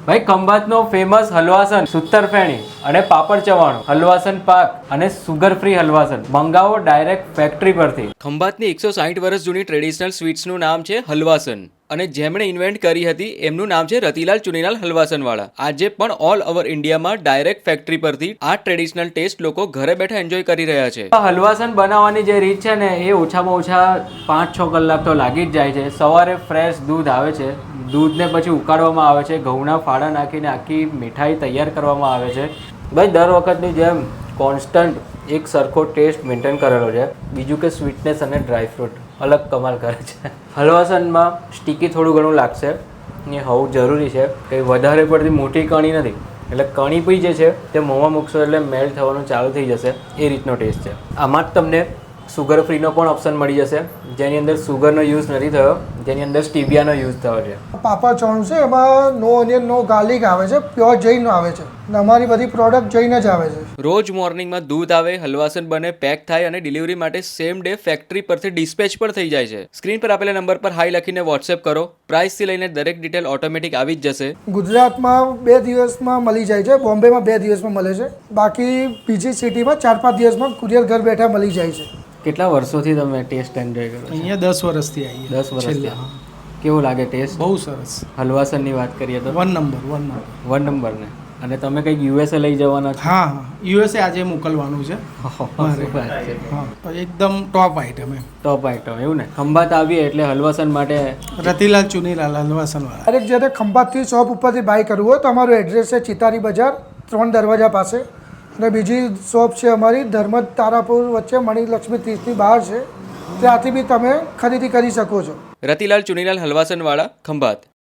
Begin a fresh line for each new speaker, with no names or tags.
ભાઈ ખંભાતનો ફેમસ હલવાસન સૂતરફેણી અને પાપડ ચવાણું, હલવાસન પાક અને સુગર ફ્રી હલવાસન મંગાવો ડાયરેક્ટ ફેક્ટરી પરથી. ખંભાતની 160 વર્ષ જૂની ટ્રેડિશનલ સ્વીટ્સનું નામ છે હલવાસન અને જેમણે ઇન્વેન્ટ કરી હતી એમનું નામ છે રતિલાલ ચુનીલાલ હલવાસનવાળા. આજે પણ ઓલ ઓવર ઇન્ડિયામાં ડાયરેક્ટ ફેક્ટરી પરથી આ ટ્રેડિશનલ ટેસ્ટ લોકો ઘરે બેઠા એન્જોય કરી રહ્યા છે. હલવાસન બનાવવાની જે રીત છે ને એ ઓછામાં ઓછા 5-6 કલાક તો લાગી જ જાય છે. સવારે ફ્રેશ દૂધ આવે છે, દૂધને પછી ઉકાળવામાં આવે છે, ઘઉંના ફાડા નાખીને આખી મીઠાઈ તૈયાર કરવામાં આવે છે. ભાઈ દર વખતની જેમ કોન્સ્ટન્ટ એક સરખો ટેસ્ટ મેન્ટેન કરેલો છે. બીજું કે સ્વીટનેસ અને ડ્રાયફ્રૂટ અલગ કમાલ કરે છે. હલવાસનમાં સ્ટીકી થોડું ઘણું લાગશે, એ હોવું જરૂરી છે. કંઈ વધારે પડતી મોટી કણી નથી, એટલે કણી બી જે છે તે મોંમાં મૂકશો એટલે મેલ્ટ થવાનું ચાલુ થઈ જશે, એ રીતનો ટેસ્ટ છે. આમાં જ તમને સુગર ફ્રીનો પણ ઓપ્શન મળી જશે, જેની અંદર સુગરનો યુઝ નથી થયો, જેની અંદર સ્ટીવિયાનો યુઝ થયો છે.
પાપડ ચવાણું છે, એમાં નો ઓનિયન નો ગાર્લિક આવે છે, પ્યોર જૈન આવે છે અને અમારી બધી પ્રોડક્ટ જૈન જ આવે છે.
રોજ મોર્નિંગમાં દૂધ આવે, હલવાસન બને, પેક થાય અને ડિલિવરી માટે સેમ ડે ફેક્ટરી પરથી ડિસ્પેચ પણ થઈ જાય છે. સ્ક્રીન પર આપેલા નંબર પર હાઈ લખીને વોટ્સએપ કરો. પ્રાઇસથી લઈને દરેક ડિટેલ ઓટોમેટિક આવી જ જશે.
ગુજરાતમાં 2 દિવસમાં મળી જાય છે, બોમ્બેમાં 2 દિવસમાં મળે છે, બાકી બીજી સિટીમાં 4-5 દિવસમાં કુરિયર ઘર બેઠા મળી જાય છે.
કેટલા વર્ષોથી તમે ટેસ્ટ એન્જોય કરો છો?
અહીંયા 10 વર્ષથી આવીએ.
10 વર્ષથી. કેવું લાગે ટેસ્ટ?
બહુ સરસ.
હલવાસનની વાત કરીએ તો
1 નંબર.
1 નંબર ને. અને તમે કંઈક યુએસએ લઈ જવાના છો?
હા, યુએસએ આજે મોકલવાનું છે.
શું વાત છે.
હા, એકદમ ટોપ આઈટમ એમ.
ટોપ આઈટમ એવું ને. ખંભાત આવીએ એટલે હલવાસન માટે
રતિલાલ ચુનીલાલ હલવાસનવાળા.
દરેક જ્યારે ખંભાતથી શોપ ઉપરથી બાય કરવું હોય તો અમારું એડ્રેસ છે ચિતારી બજાર 3 દરવાજા પાસે, અને બીજી શોપ છે અમારી ધર્મજ તારાપુર વચ્ચે મણિલક્ષ્મી 30ની બહાર છે, ત્યાંથી બી તમે ખરીદી કરી શકો છો.
રતિલાલ ચુનીલાલ હલવાસનવાળા, ખંભાત.